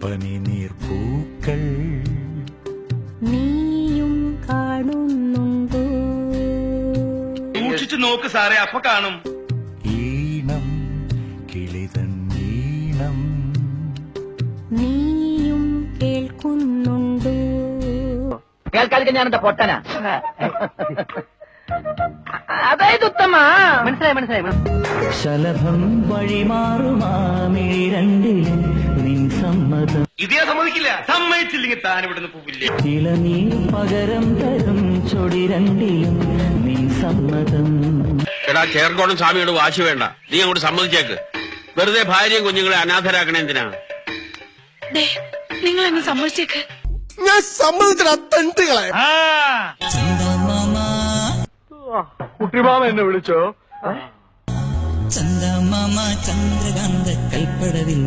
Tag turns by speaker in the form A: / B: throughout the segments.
A: പനിനീർപ്പൂക്കൾ
B: നീയും കാണുന്നുണ്ടോ?
C: സൂക്ഷിച്ചു നോക്ക് സാറേ, അപ്പൊ കാണും.
A: ഈണം കിളിതൻ ഈണം
B: നീയും കേൾക്കുന്നുണ്ടോ?
D: കേൾക്കാതിരിക്കാൻ ഞാനെന്താ പൊട്ടനാ? അതായത് ഉത്തമ മനസ്സിലായി.
E: ശലഭം വഴിമാറുമാമിരണ്ടിലും നിൻ സമ്മതം
C: ഇതേ സമ്മതിക്കില്ല. സമ്മതിച്ചില്ലെങ്കിൽ താൻ ഇവിടുന്ന് പോവില്ലേ.
E: ഇളനീ പകരം തരും ചൊടിരണ്ടിലും നിൻ സമ്മതം.
F: എടാ ചേർക്കോണം സ്വാമിയോട് വാശി വേണ്ട, നീ അങ്ങോട്ട് സമ്മതിച്ചേക്ക്. വെറുതെ ഭാര്യയും കുഞ്ഞുങ്ങളെ അനാഥരാക്കണേ എന്തിനാ?
G: നിങ്ങൾ എന്നെ സമ്മതിച്ചേക്ക്.
H: ഞാൻ സമ്മതിച്ചിട്ട് തണ്ടുകളെ
C: കുട്ടിമാമ എന്നെ വിളിച്ചോ?
E: ചന്ദമാമ ചന്ദ്രകാന്ത കൈപ്പടവിൽ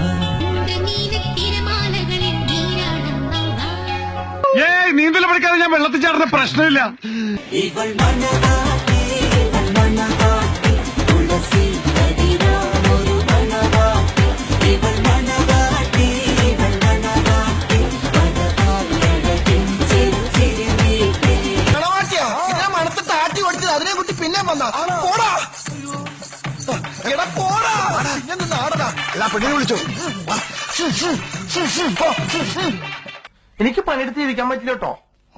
C: നീന്തൽ പഠിക്കാതെ ഞാൻ വെള്ളത്തിൽ ചാടുന്ന പ്രശ്നമില്ല.
H: മണത്തിട്ട് ആട്ടി ഓടിച്ചത് അതിനെ കുട്ടി പിന്നെ വന്നാ പോടാ എടാ പോടാ പിന്നെ നിന്ന് ആടടാ. എല്ലാ പെണ്ണിനെ വിളിച്ചോ. എനിക്ക് പണിയെടുത്ത് ജീവിക്കാൻ പറ്റില്ല കേട്ടോ.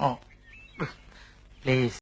H: പ്ലീസ്.